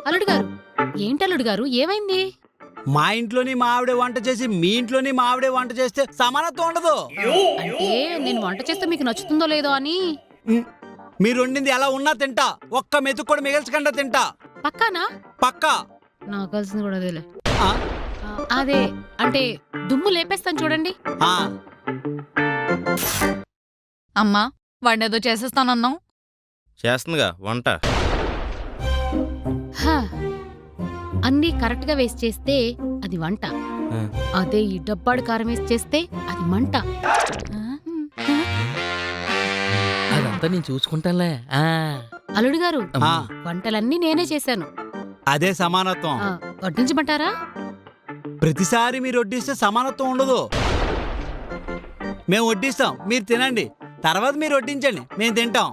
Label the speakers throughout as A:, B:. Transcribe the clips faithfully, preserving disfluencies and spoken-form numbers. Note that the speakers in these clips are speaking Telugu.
A: అల్లుడు గారు ఏంటి అల్లుడు గారు ఏమైంది?
B: మా ఇంట్లోని మా ఆవిడే వంట చేసి మీ ఇంట్లోని మా ఆవిడే వంట చేస్తే సమానత్వం ఉండదు.
A: అంటే నేను వంట చేస్తే మీకు నచ్చుతుందో లేదో అని.
B: ఉమ్, మీరు వండింది ఎలా ఉన్నా తింటా, ఒక్క మెతుకు కూడా మిగల్చకుండా తింటా.
A: పక్కానా?
B: పక్కా.
A: నాకు కలిసింది కూడా అదేలే.
B: ఆ?
A: ఆ, అదే అంటే దుమ్ము లేపేస్తాను చూడండి.
B: ఆ.
C: అమ్మా వాడినేదో చేసేస్తానన్నావు.
D: చేస్తుందిగా వంట.
A: హా, అన్నీ కరెక్ట్ గా వేసి చేస్తే అది వంట, అదే ఈ డబ్బాడు కారం వేసి చేస్తే అది మంట.
E: అదంతా నేను చూసుకుంటానులే.
A: అల్లుడు గారు
B: ఆ.
A: వంటలన్నీ నేనే చేశాను.
B: అదే సమానత్వం.
A: ఆ, వడ్డించమంటారా?
B: ప్రతిసారి మీరు వడ్డిస్తే సమానత్వం ఉండదు. మేము వడ్డిస్తాం, మీరు తినండి, తర్వాత మీరు వడ్డించండి, మేము తింటాం.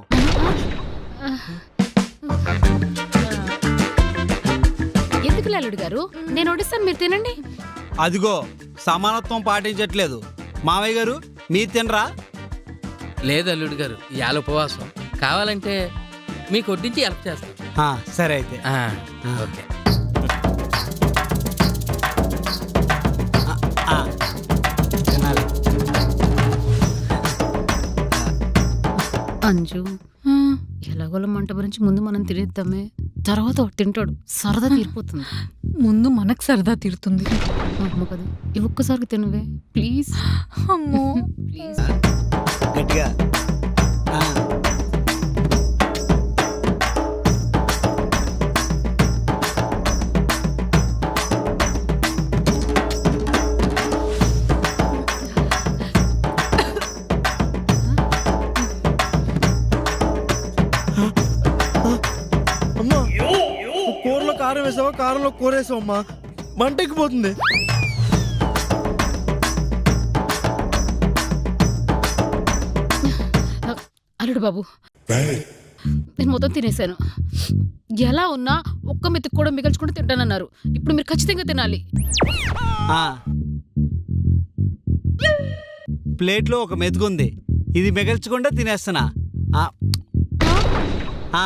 A: ఎందుకు అల్లుడు గారు, నేను వడ్డిస్తాను, మీరు తినండి.
B: అదిగో సమానత్వం పాటించట్లేదు. మావయ్య గారు మీరు తినరా?
E: లేదు అల్లుడు గారు, ఇవాళ ఉపవాసం. కావాలంటే మీకు వడ్డించి హెల్ప్ చేస్తాను.
B: ఆ, సరే అయితే.
E: ఆ,
B: ఆ.
E: ఓకే.
B: ఆ, తినాలి.
A: అంజు, ఎలాగోల మంట గురించి ముందు మనం తినేద్దామే, తర్వాత వాడు తింటాడు, సరదా తీరిపోతుంది.
C: ముందు మనకు సరదా తీరుతుంది.
A: అమ్మ కదా, ఈ ఒక్కసారి తినవే ప్లీజ్.
C: అమ్మో
A: ప్లీజ్.
B: గట్టిగా. ఆ.
F: అమ్మా కూరలో కారం వేసావా, కారంలో కూర వేసావు అమ్మా, మంట ఎక్కిపోతుంది.
A: అల్లుడు బాబు, నేను మొత్తం తినేశాను. ఎలా ఉన్నా ఒక్క మెతుకు కూడా మిగల్చుకుంటూ తింటానన్నారు. ఇప్పుడు మీరు ఖచ్చితంగా తినాలి.
B: ఆ. ప్లేట్లో ఒక మెతుకుంది, ఇది మిగల్చకుండా తినేస్తున్నా. ఆ. ఆ.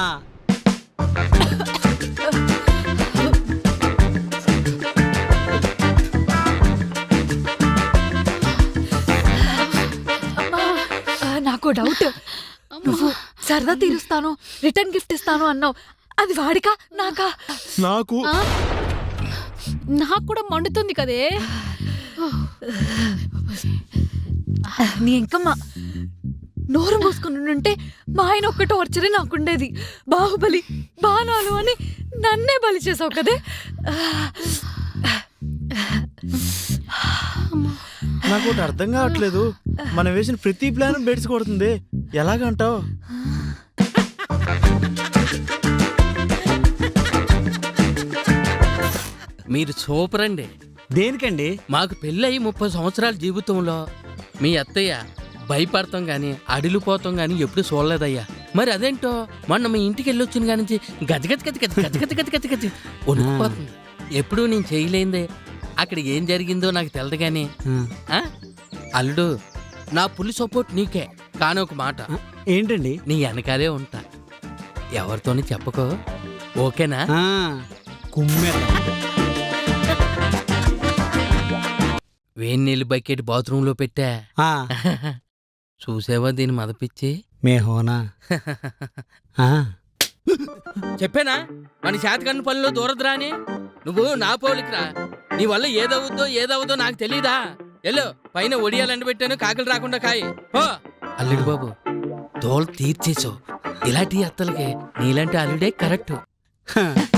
C: ఆ, నాకు డౌట్. నువ్వు సరదా తీరుస్తాను, రిటర్న్ గిఫ్ట్ ఇస్తాను అన్నావు. అది వాడికా నాకా?
F: నాకు
A: ఆ? నాకు కూడా మండుతుంది కదే.
C: నీ ఇంకమ్మా నోరు మూసుకుని ఉంటే మా ఆయన ఒక్క టార్చరే నాకుండేది. బాహుబలి బాణాలు అని నన్నే బలి చేసావు కదే.
F: నాకు ఒకటి అర్థం కావట్లేదు. మనం వేసిన ప్రతి ప్లాన్ బెడ్స్ కొడుతుంది, ఎలాగంటావు?
E: మీరు సూపర్ అండి.
B: దేనికండి?
E: మాకు పెళ్ళయి ముప్పై సంవత్సరాల జీవితంలో మీ అత్తయ్య భయపడతాం గాని అడిలిపోతాం గాని ఎప్పుడు చూడలేదయ్యా. మరి అదేంటో మొన్న మీ ఇంటికి వెళ్ళి వచ్చిన కాడి నుంచి గజగజ గజ గజ గజ గజ గజ గజ గజ వణుకుపోతుంది. ఎప్పుడు నేను చేయలేందే. అక్కడ ఏం జరిగిందో నాకు తెలదు గాని. ఆ? అల్లుడు, నా పులి సపోర్ట్ నీకే. కానీ ఒక మాట,
B: ఏంటండి?
E: నీ వెనకాలే ఉంటా, ఎవరితోని చెప్పకో, ఓకేనా?
B: ఆ. కుమ్మెత్త.
E: వేడి నీళ్ళు బకెట్ బాత్రూంలో పెట్టా.
B: ఆ.
E: చూసావా దీన్ని మదపిచ్చి?
B: మే హోనా. ఆ.
E: చెప్పానా మన శాతకన్ను పనిలో దూరదురా అని? నువ్వు నా పోలికరా. నీ వల్ల ఏదవుద్దో ఏదవుద్దో నాకు తెలీదా? ఎల్లో పైన ఒడియాలండి పెట్టాను, కాకలు రాకుండా కాయి పో. అల్లుడు బాబు, తోలు తీర్చేసావు. ఇలాంటి అత్తలకి నీలాంటి అల్లుడే కరెక్ట్.